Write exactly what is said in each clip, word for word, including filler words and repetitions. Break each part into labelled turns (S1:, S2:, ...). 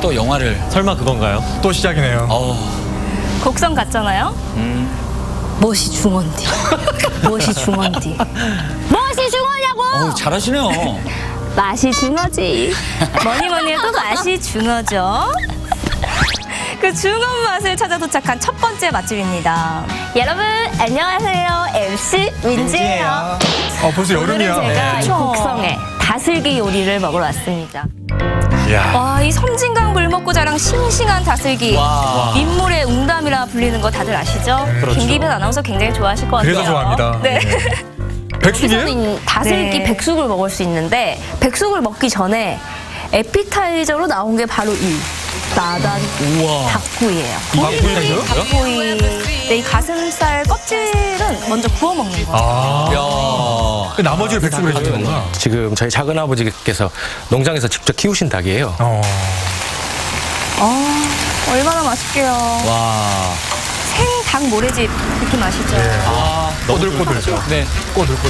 S1: 또 영화를.
S2: 설마 그건가요?
S3: 또 시작이네요.
S1: 어.
S4: 곡성 같잖아요.
S1: 음.
S4: 무엇이 중원디? 무엇이 중원디? 무엇이 중원이냐고?
S1: 어, 잘하시네요.
S4: 맛이 중어지. 뭐니 뭐니 해도 맛이 중어죠. 그 중원 맛을 찾아 도착한 첫 번째 맛집입니다. 여러분 안녕하세요. 엠씨 민지예요.
S3: 아, 벌써
S4: 오늘은
S3: 여름이야.
S4: 제가
S3: 네.
S4: 이 곡성에 다슬기 요리를 먹으러 왔습니다.
S3: 이야.
S4: 와, 이 섬진강 물먹고 자랑 싱싱한 다슬기.
S1: 와.
S4: 민물의 웅담이라 불리는 거 다들 아시죠?
S3: 그렇죠.
S4: 김기빈 아나운서 굉장히 좋아하실 것 같아요.
S3: 그래서 좋아합니다.
S4: 네.
S3: 백숙이에요?
S4: 여기서는 다슬기
S5: 네.
S4: 백숙을 먹을 수 있는데 백숙을 먹기 전에 에피타이저로 나온 게 바로 이 나단
S1: 우와.
S4: 닭구이예요.
S3: 닭구이요?
S4: 닭구이. 네, 이 가슴살 껍질은 먼저 구워 먹는 거예요.
S3: 아.
S1: 야.
S3: 그 나머지를 백숙을 해주는 거구나.
S6: 지금 저희 작은 아버지께서 농장에서 직접 키우신 닭이에요.
S3: 어.
S4: 아, 얼마나 맛있게요.
S1: 와.
S4: 생닭 모래집 느낌 아시죠?
S1: 아.
S3: 꼬들꼬들.
S1: 네.
S3: 꼬들꼬들.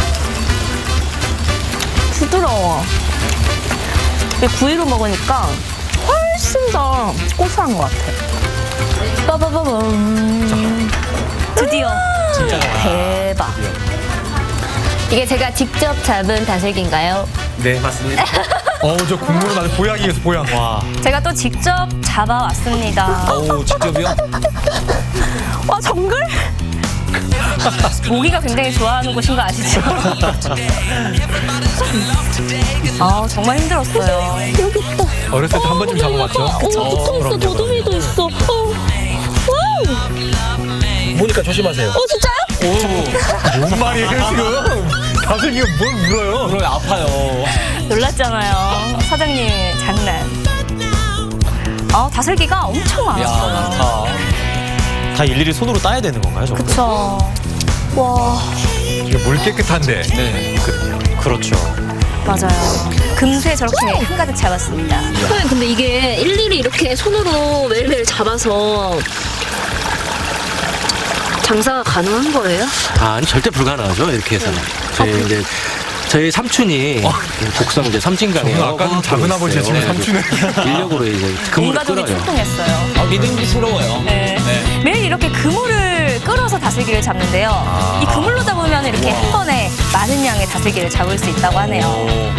S4: 부드러워. 근데 구이로 먹으니까 훨씬 더 고소한 것 같아. 빠바바밤. 드디어.
S1: 진짜.
S4: 대박. 이게 제가 직접 잡은 다슬기인가요?
S6: 네, 맞습니다.
S3: 어, 저 국물은 아주 보약이겠어, 보약.
S2: 와.
S4: 제가 또 직접 잡아왔습니다.
S1: 어우, 직접이요?
S4: 와, 정글? 모기가 굉장히 좋아하는 곳인 거 아시죠? 아, 정말 힘들었어요.
S3: 어렸을 때 한 번쯤 잡아봤죠?
S4: 어, 붙어 있어, 도둑이도 있어. 어.
S6: 보니까 조심하세요.
S4: 어, 진짜요?
S3: 뭔 말이에요, 지금? 다슬기가 뭘 물어요?
S1: 그럼 아파요.
S4: 놀랐잖아요. 사장님, 장난. 아, 다슬기가 엄청
S1: 야,
S4: 많았어요.
S1: 많다.
S2: 다 일일이 손으로 따야 되는 건가요, 저거?
S4: 그쵸. 와,
S3: 이게 물 깨끗한데.
S1: 네.
S2: 그렇죠.
S4: 맞아요. 금세 저렇게 한가득 잡았습니다.
S5: 선생님, 근데 이게 일일이 이렇게 손으로 매일매일 잡아서 장사가 가능한 거예요?
S6: 아, 아니, 절대 불가능하죠, 이렇게 해서는. 저희 이제, 저희 삼촌이 곡성 이제 섬진강에
S3: 저는 아까 좀 작은 아버지가 지금 삼촌을.
S6: 인력으로 이제
S4: 온
S6: 그물을
S4: 가족이
S6: 끌어요.
S4: 출동했어요.
S1: 아, 믿음직스러워요.
S4: 네.
S1: 네.
S4: 매일 이렇게 그물을 끌어서 다슬기를 잡는데요. 이 그물로 잡으면 이렇게 한 번에 많은 양의 다슬기를 잡을 수 있다고 하네요.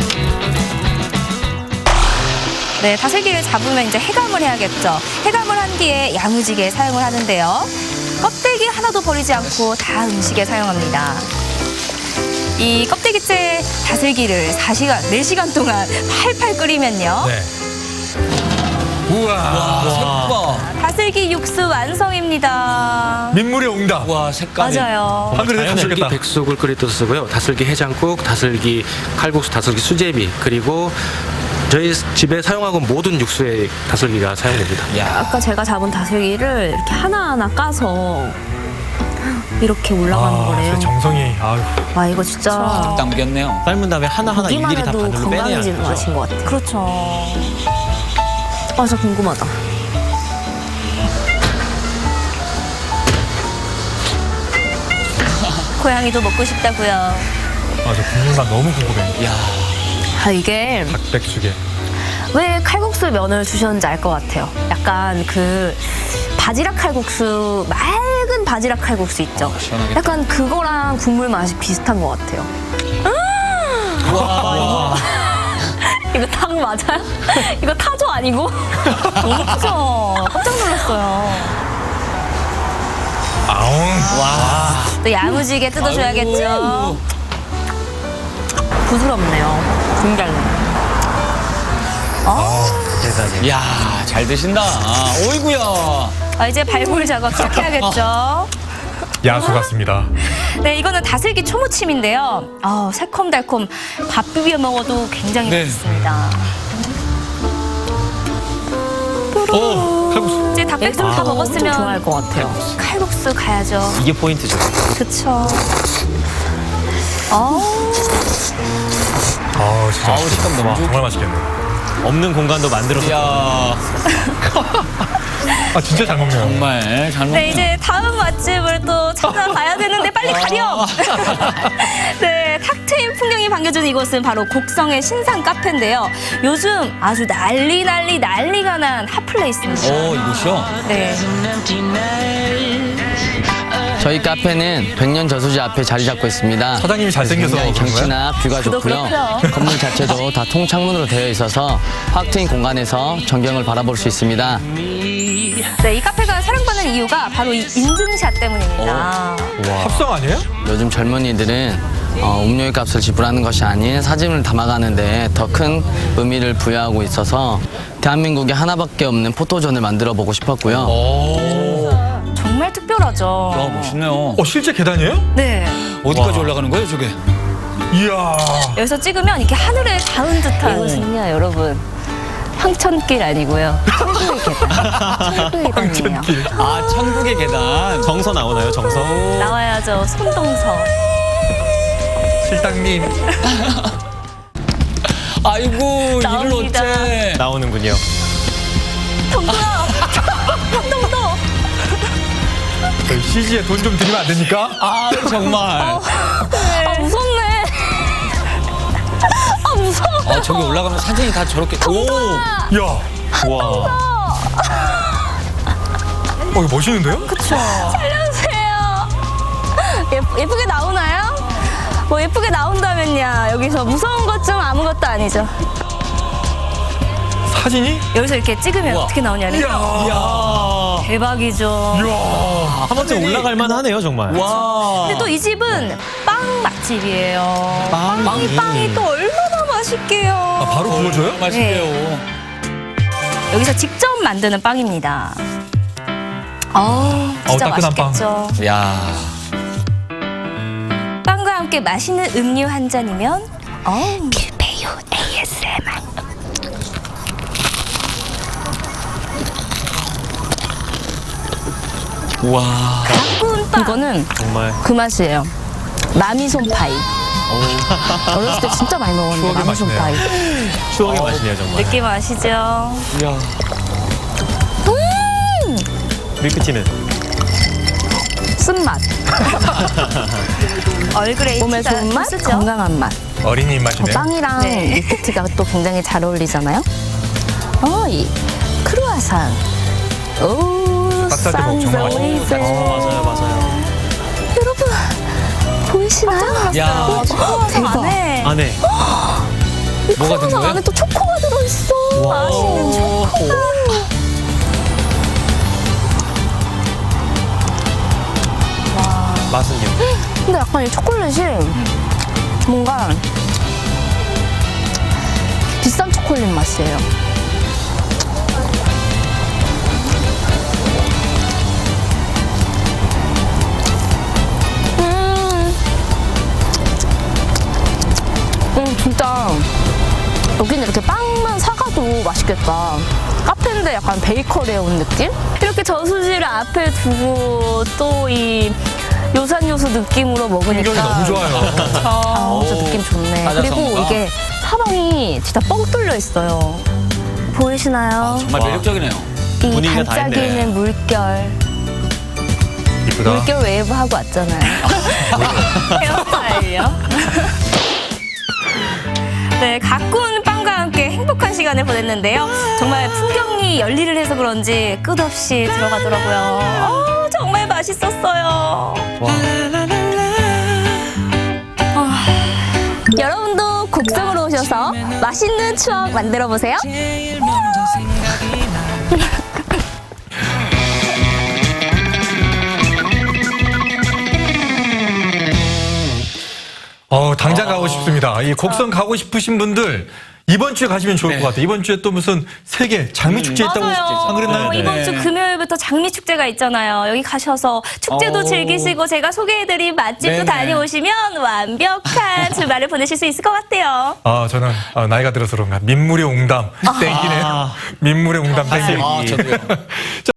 S4: 네, 다슬기를 잡으면 이제 해감을 해야겠죠. 해감을 한 뒤에 야무지게 사용을 하는데요. 껍데기 하나도 버리지 않고 다 음식에 사용합니다. 이 껍데기째 다슬기를 네 시간, 네 시간 동안 팔팔 끓이면요.
S3: 네. 우와.
S1: 와, 색깔.
S4: 다슬기 육수 완성입니다.
S3: 민물의 옹답.
S1: 와, 색깔이.
S4: 맞아요.
S3: 한 그릇에
S6: 다슬기
S3: 주시겠다.
S6: 백숙을 끓일 때 쓰고요. 다슬기 해장국, 다슬기 칼국수, 다슬기 수제비, 그리고 저희 집에 사용하고 모든 육수에 다슬기가 사용됩니다.
S1: 야.
S5: 아까 제가 잡은 다슬기를 이렇게 하나하나 까서 이렇게 올라가는
S3: 아,
S5: 거래요.
S3: 진짜 정성이. 아유.
S5: 와, 이거 진짜
S1: 담겼네요.
S2: 삶은 다음에 하나하나
S5: 보기만
S2: 일일이 다
S5: 해도
S2: 바늘로 빼내야
S5: 건강해지는
S2: 하는 거죠.
S5: 맛인 것 같아요.
S4: 그렇죠.
S5: 아, 진짜 궁금하다.
S4: 고양이도 먹고 싶다고요.
S3: 아, 저 국물만 너무 궁금해.
S1: 야.
S5: 아, 이게
S3: 닭백숙에.
S5: 왜 칼국수 면을 주셨는지 알 것 같아요. 약간 그 바지락 칼국수, 맑은 바지락 칼국수 있죠.
S1: 아, 시원하겠다.
S5: 약간 그거랑 국물 맛이 비슷한 것 같아요.
S1: 와.
S5: 이거 닭 맞아요? 이거 타조 아니고?
S4: 너무 크죠? 깜짝 놀랐어요.
S3: 아웅.
S1: 와.
S4: 또 야무지게 뜯어줘야겠죠.
S1: 아이고.
S5: 부드럽네요. 굉장히.
S2: 세상에.
S1: 야, 잘 드신다. 아, 오이구야.
S4: 아, 이제 발굴 작업 시작해야겠죠.
S3: 야수 같습니다.
S4: 네, 이거는 다슬기 초무침인데요. 아, 새콤달콤 밥 비벼 먹어도 굉장히
S1: 네.
S4: 맛있습니다.
S3: 오, 칼국수.
S4: 이제 닭백숙 다
S5: 엄청
S4: 먹었으면
S5: 좋아할 것 같아요.
S4: 칼국수 가야죠.
S2: 이게 포인트죠.
S4: 그쵸. 아,
S3: 아, 진짜.
S1: 아우, 식감 너무
S3: 와,
S1: 좋-
S3: 정말 맛있겠네.
S2: 없는 공간도 만들어서.
S1: 야.
S3: 아, 진짜 잘 먹네요.
S1: 정말 잘 먹네요.
S4: 네, 이제 다음 맛집을 또 찾아가야 되는데 빨리 가렴. 네, 탁 트인 풍경이 반겨주는 이곳은 바로 곡성의 신상 카페인데요. 요즘 아주 난리 난리 난리가 난 핫플레이스입니다.
S1: 오, 이곳이요?
S4: 네.
S7: 저희 카페는 백년 저수지 앞에 자리 잡고 있습니다.
S3: 사장님이 잘생겨서
S7: 굉장히
S3: 그런 거야?
S7: 경치나 뷰가
S4: 저도
S7: 좋고요.
S4: 그렇고요.
S7: 건물 자체도 다 통창문으로 되어 있어서 확 트인 공간에서 전경을 바라볼 수 있습니다.
S4: 네, 이 카페가 사랑받는 이유가 바로 이 인증샷 때문입니다.
S3: 합성 아니에요?
S7: 요즘 젊은이들은 어, 음료의 값을 지불하는 것이 아닌 사진을 담아가는데 더 큰 의미를 부여하고 있어서 대한민국에 하나밖에 없는 포토존을 만들어 보고 싶었고요.
S1: 오,
S4: 정말 특별하죠.
S1: 야, 멋있네요.
S3: 어, 실제 계단이에요?
S4: 네.
S1: 어디까지
S3: 와.
S1: 올라가는 거예요, 저게?
S3: 이야.
S4: 여기서 찍으면 이렇게 하늘에 닿은 듯한.
S5: 이것은요, 여러분. 황천길 아니고요. 천국의 계단. 천국의 계단이에요.
S3: 길.
S1: 아, 천국의 계단.
S2: 정서 나오나요, 정서?
S4: 나와야죠. 손동서.
S3: 실장님.
S1: 아이고, 이를
S4: 나옵니다.
S1: 어째.
S2: 나오는군요.
S4: 동서야. 동서.
S3: 저희 씨지에 돈 좀 드리면 안 됩니까?
S1: 아, 정말.
S4: 아, 무섭네. 아, 무서워.
S1: 아, 저기 올라가면 사진이 다 저렇게. 오!
S3: 이야.
S2: 와.
S3: 어, 이거 멋있는데요?
S4: 살려주세요. 예, 예쁘게 나오나요? 뭐 예쁘게 나온다면야 여기서 무서운 것 좀 아무것도 아니죠.
S3: 사진이?
S4: 여기서 이렇게 찍으면
S1: 우와.
S4: 어떻게 나오냐니.
S3: 이야.
S1: 이야.
S4: 대박이죠.
S3: 이야.
S2: 한 번쯤 올라갈 만하네요, 정말.
S1: 와.
S4: 근데 또 이 집은 빵 맛집이에요.
S2: 빵이.
S4: 빵이 빵이 또 얼마나 맛있게요.
S3: 아, 바로 구워줘요?
S1: 맛있게요.
S4: 여기서 직접 만드는 빵입니다. 어, 진짜
S3: 어우, 따끈한 빵.
S4: 맛있겠죠.
S1: 야.
S4: 빵과 함께 맛있는 음료 한 잔이면 어, 필배유 에이에스엠알.
S1: 와.
S4: 가꾼 빵.
S5: 이거는
S2: 정말.
S5: 그 맛이에요. 마미손 파이. 어렸을 때 진짜 많이 먹었는데,
S3: 추억의
S5: 마미손
S3: 맛이네요.
S5: 파이.
S2: 추억의 맛이네요, 정말.
S4: 느낌 아시죠?
S1: 야.
S2: 밀크티는.
S5: 쓴맛.
S4: 얼그레이
S5: 몸에 좋은 맛,
S4: 쓰죠?
S5: 건강한 맛.
S3: 어린이
S5: 어,
S3: 입맛이네요.
S5: 빵이랑
S4: 네.
S5: 밀크티가 또 굉장히 잘 어울리잖아요. 어, 이 크루아상. 오,
S3: 딱 쌀 때 먹으면 정말
S5: 산소이세.
S2: 맞아요, 맞아요.
S5: 여러분, 보이시나요?
S1: 야.
S5: 대박.
S4: 안에
S2: 안에.
S1: 뭐가 든
S5: 크루아상
S1: 거예요?
S5: 안에 또 초코가 들어있어. 맛있는 초코.
S2: 맛은요?
S5: 근데 약간 이 초콜릿이 뭔가 비싼 초콜릿 맛이에요. 음, 음 진짜 여기는 이렇게 빵만 사가도 맛있겠다. 카페인데 약간 베이커리에 온 느낌? 이렇게 저수지를 앞에 두고 또 이 요산요수 느낌으로 먹으니까
S3: 풍경이 너무 좋아요.
S5: 아, 진짜 느낌 좋네.
S1: 사자성어가.
S5: 그리고 이게 사방이 진짜 뻥 뚫려 있어요. 보이시나요?
S1: 정말
S2: 와.
S1: 매력적이네요.
S5: 이
S2: 분위기가 다 있네.
S5: 반짝이는 물결.
S3: 이쁘다.
S5: 물결 웨이브 하고 왔잖아요.
S4: 헤어스타일이요. 네, 가꾼 빵과 함께 행복한 시간을 보냈는데요. 정말 풍경이 열일을 해서 그런지 끝없이 들어가더라고요. 어, 정말 맛있었어요. 아, 여러분도 곡성으로 오셔서 맛있는 추억 만들어 보세요.
S3: 어, 당장 가고 싶습니다. 이 곡성 가고 싶으신 분들 이번 주에 가시면 좋을
S1: 네.
S3: 것 같아요. 이번 주에 또 무슨 세계 장미 축제 있다고 안 그랬나요?
S4: 어, 이번 주 금요일부터 장미 축제가 있잖아요. 여기 가셔서 축제도
S1: 어.
S4: 즐기시고 제가 소개해드린 맛집도
S1: 네네.
S4: 다녀오시면 완벽한 주말을 보내실 수 있을 것 같아요.
S3: 아, 저는 어, 나이가 들어서 그런가 민물의 옹담 땡기네요. 민물의 옹담 땡기네요.
S1: 아, 저도요.